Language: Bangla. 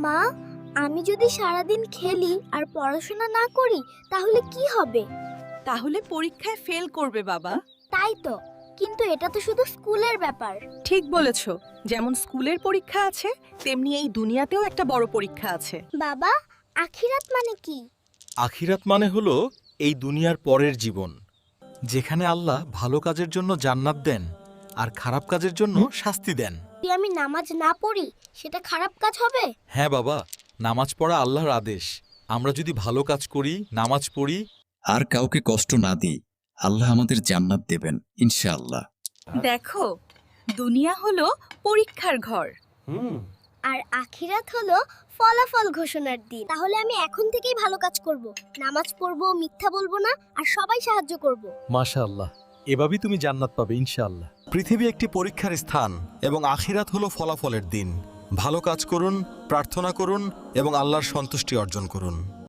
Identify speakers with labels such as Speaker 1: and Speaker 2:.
Speaker 1: মা, আমি যদি সারাদিন খেলি আর পড়াশোনা না করি তাহলে কি হবে?
Speaker 2: তাহলে পরীক্ষায় ফেল করবে বাবা।
Speaker 1: তাই তো, কিন্তু এটা তো শুধু স্কুলের ব্যাপার।
Speaker 2: ঠিক বলেছ, যেমন স্কুলের পরীক্ষা আছে তেমনি এই দুনিয়াতেও একটা বড় পরীক্ষা আছে।
Speaker 1: বাবা, আখিরাত মানে কি?
Speaker 3: আখিরাত মানে হলো এই দুনিয়ার পরের জীবন, যেখানে আল্লাহ ভালো কাজের জন্য জান্নাত দেন আর খারাপ কাজের জন্য শাস্তি দেন।
Speaker 1: যদি আমি নামাজ না পড়ি সেটা খারাপ কাজ হবে?
Speaker 3: হ্যাঁ বাবা, নামাজ পড়া আল্লাহর আদেশ। আমরা যদি ভালো কাজ করি, নামাজ পড়ি
Speaker 4: আর কাউকে কষ্ট না দিই, আল্লাহ আমাদের জান্নাত দেবেন ইনশাআল্লাহ।
Speaker 2: দেখো, দুনিয়া হলো পরীক্ষার ঘর।
Speaker 1: আর আখিরাত হলো ফলাফল ঘোষণার দিন। তাহলে আমি এখন থেকেই ভালো কাজ করব, নামাজ পড়ব, মিথ্যা বলবো না, আর সবাই সাহায্য করব।
Speaker 3: মাশাআল্লাহ, এভাবেই তুমি জান্নাত পাবে ইনশাআল্লাহ। পৃথিবী একটি পরীক্ষার স্থান এবং আখিরাত হলো ফলাফলের দিন। ভালো কাজ করুন, প্রার্থনা করুন এবং আল্লাহর সন্তুষ্টি অর্জন করুন।